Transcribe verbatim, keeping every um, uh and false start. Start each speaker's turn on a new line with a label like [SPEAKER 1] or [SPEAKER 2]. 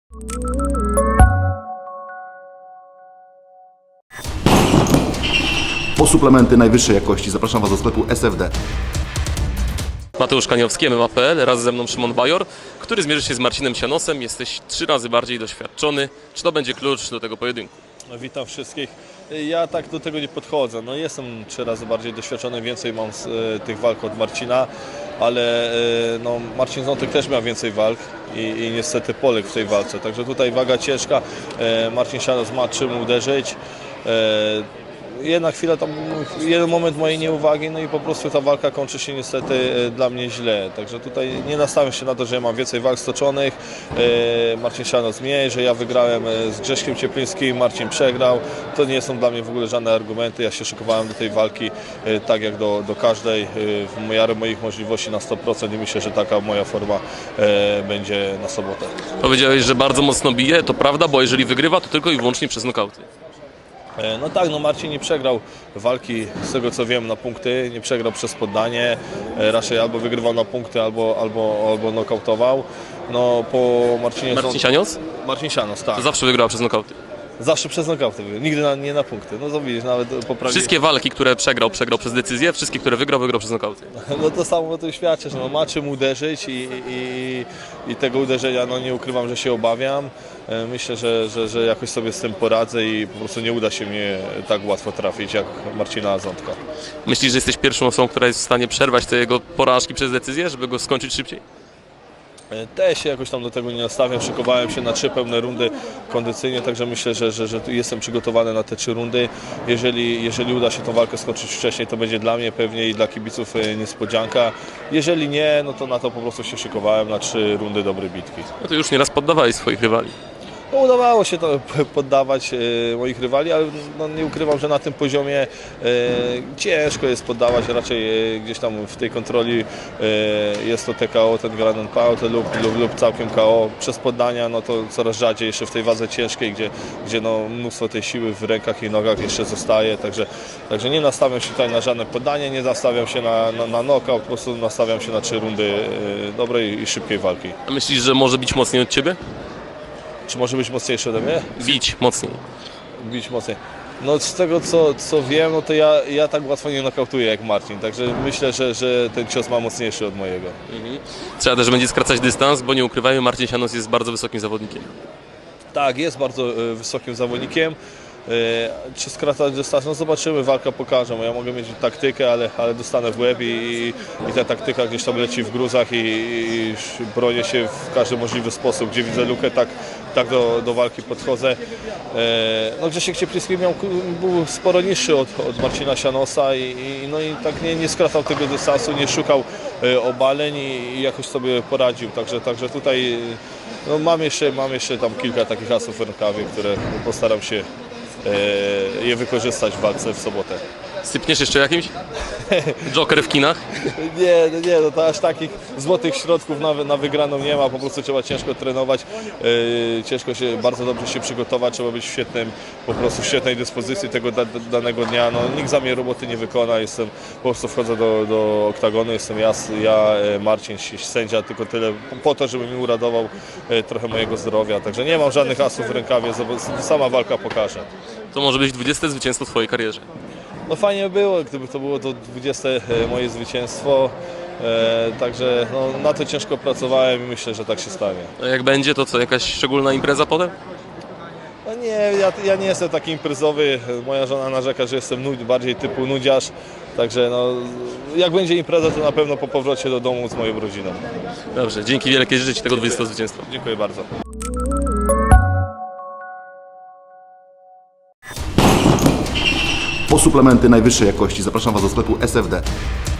[SPEAKER 1] Po suplementy najwyższej jakości zapraszam Was do sklepu S F D.
[SPEAKER 2] Mateusz Kaniowski, M M A kropka P L, raz ze mną Szymon Bajor, który zmierzy się z Marcinem Sianosem. Jesteś trzy razy bardziej doświadczony. Czy to będzie klucz do tego pojedynku?
[SPEAKER 3] No, witam wszystkich. Ja tak do tego nie podchodzę. No, jestem trzy razy bardziej doświadczony, więcej mam z, e, tych walk od Marcina, ale e, no, Marcin Zątek też miał więcej walk i, i niestety poległ w tej walce. Także tutaj waga ciężka. E, Marcin Sianos ma czym uderzyć. E, Jedna chwila, tam, jeden moment mojej nieuwagi, no i po prostu ta walka kończy się niestety dla mnie źle. Także tutaj nie nastawiam się na to, że ja mam więcej walk stoczonych, Marcin Sianos mniej, że ja wygrałem z Grześkiem Cieplińskim, Marcin przegrał. To nie są dla mnie w ogóle żadne argumenty. Ja się szykowałem do tej walki tak jak do, do każdej, w miarę moich możliwości na sto procent i myślę, że taka moja forma będzie na sobotę.
[SPEAKER 2] Powiedziałeś, że bardzo mocno bije, to prawda, bo jeżeli wygrywa, to tylko i wyłącznie przez nokauty.
[SPEAKER 3] No tak, no Marcin nie przegrał walki, z tego co wiem, na punkty, nie przegrał przez poddanie, raczej albo wygrywał na punkty, albo, albo, albo nokautował. No po Marcinie...
[SPEAKER 2] Marcin Sianos?
[SPEAKER 3] Marcin Sianos, tak.
[SPEAKER 2] To zawsze wygrała przez nokauty.
[SPEAKER 3] Zawsze przez nokauty, nigdy na, nie na punkty. No to widzisz, nawet poprawił.
[SPEAKER 2] Wszystkie walki, które przegrał, przegrał przez decyzję, wszystkie, które wygrał, wygrał przez nokauty.
[SPEAKER 3] No to samo o tym świadczy, że no, ma czym uderzyć i, i, i tego uderzenia, no nie ukrywam, że się obawiam. Myślę, że, że, że jakoś sobie z tym poradzę i po prostu nie uda się mnie tak łatwo trafić jak Marcina Zątka.
[SPEAKER 2] Myślisz, że jesteś pierwszą osobą, która jest w stanie przerwać te jego porażki przez decyzję, żeby go skończyć szybciej?
[SPEAKER 3] Też się jakoś tam do tego nie nastawiam, szykowałem się na trzy pełne rundy kondycyjnie, także myślę, że, że, że jestem przygotowany na te trzy rundy. Jeżeli, jeżeli uda się tą walkę skończyć wcześniej, to będzie dla mnie pewnie i dla kibiców niespodzianka. Jeżeli nie, no to na to po prostu się szykowałem na trzy rundy dobrej bitki.
[SPEAKER 2] No to już nieraz poddawałeś swoich rywali.
[SPEAKER 3] No, udawało się to poddawać e, moich rywali, ale no, nie ukrywam, że na tym poziomie e, ciężko jest poddawać, raczej e, gdzieś tam w tej kontroli e, jest to T K O, ten Grand Pound lub, lub, lub całkiem K O. Przez poddania no to coraz rzadziej jeszcze w tej wadze ciężkiej, gdzie, gdzie no, mnóstwo tej siły w rękach i nogach jeszcze zostaje, także, także nie nastawiam się tutaj na żadne poddanie, nie nastawiam się na, na, na knockout, po prostu nastawiam się na trzy rundy e, dobrej i szybkiej walki.
[SPEAKER 2] A myślisz, że może bić mocniej od ciebie?
[SPEAKER 3] Czy może być mocniejszy ode mnie?
[SPEAKER 2] Bić mocniej.
[SPEAKER 3] Bić mocniej. No z tego co, co wiem, no to ja, ja tak łatwo nie nokautuję jak Marcin, także myślę, że, że ten cios ma mocniejszy od mojego.
[SPEAKER 2] Mhm. Trzeba też będzie skracać dystans, bo nie ukrywajmy, Marcin Sianos jest bardzo wysokim zawodnikiem.
[SPEAKER 3] Tak, jest bardzo y, wysokim zawodnikiem. Y, czy skracać dystans? No zobaczymy, walka pokaże. Ja mogę mieć taktykę, ale, ale dostanę w łeb i, i ta taktyka gdzieś tam leci w gruzach i, i bronię się w każdy możliwy sposób. Gdzie widzę lukę, tak, tak do, do walki podchodzę. Y, no Grzesiek Ciepliński miał, był sporo niższy od, od Marcina Sianosa i, i, no i tak nie, nie skracał tego dystansu, nie szukał y, obaleń i, i jakoś sobie poradził. Także, także tutaj no, mam, jeszcze, mam jeszcze tam kilka takich asów w rękawie, które postaram się je wykorzystać w walce w sobotę.
[SPEAKER 2] Sypniesz jeszcze jakimś? Joker w kinach?
[SPEAKER 3] Nie, no nie, no to aż takich złotych środków na, na wygraną nie ma, po prostu trzeba ciężko trenować, yy, ciężko się, bardzo dobrze się przygotować, trzeba być w świetnym, po prostu w świetnej dyspozycji tego da, danego dnia, no nikt za mnie roboty nie wykona, jestem, po prostu wchodzę do, do oktagonu, jestem ja, ja Marcin, sędzia, tylko tyle po to, żeby mi uradował yy, trochę mojego zdrowia, także nie mam żadnych asów w rękawie, sama walka pokaże.
[SPEAKER 2] To może być dwudzieste zwycięstwo w twojej karierze.
[SPEAKER 3] No fajnie było, gdyby to było to dwudzieste moje zwycięstwo, e, także no, na to ciężko pracowałem i myślę, że tak się stanie.
[SPEAKER 2] A jak będzie, to co, jakaś szczególna impreza potem?
[SPEAKER 3] No nie, ja, ja nie jestem taki imprezowy, moja żona narzeka, że jestem nud, bardziej typu nudziarz, także no, jak będzie impreza, to na pewno po powrocie do domu z moją rodziną.
[SPEAKER 2] Dobrze, dzięki wielkie, życzę Ci tego dwudziestego zwycięstwa.
[SPEAKER 3] Dziękuję bardzo.
[SPEAKER 1] Po suplementy najwyższej jakości zapraszam Was do sklepu S F D.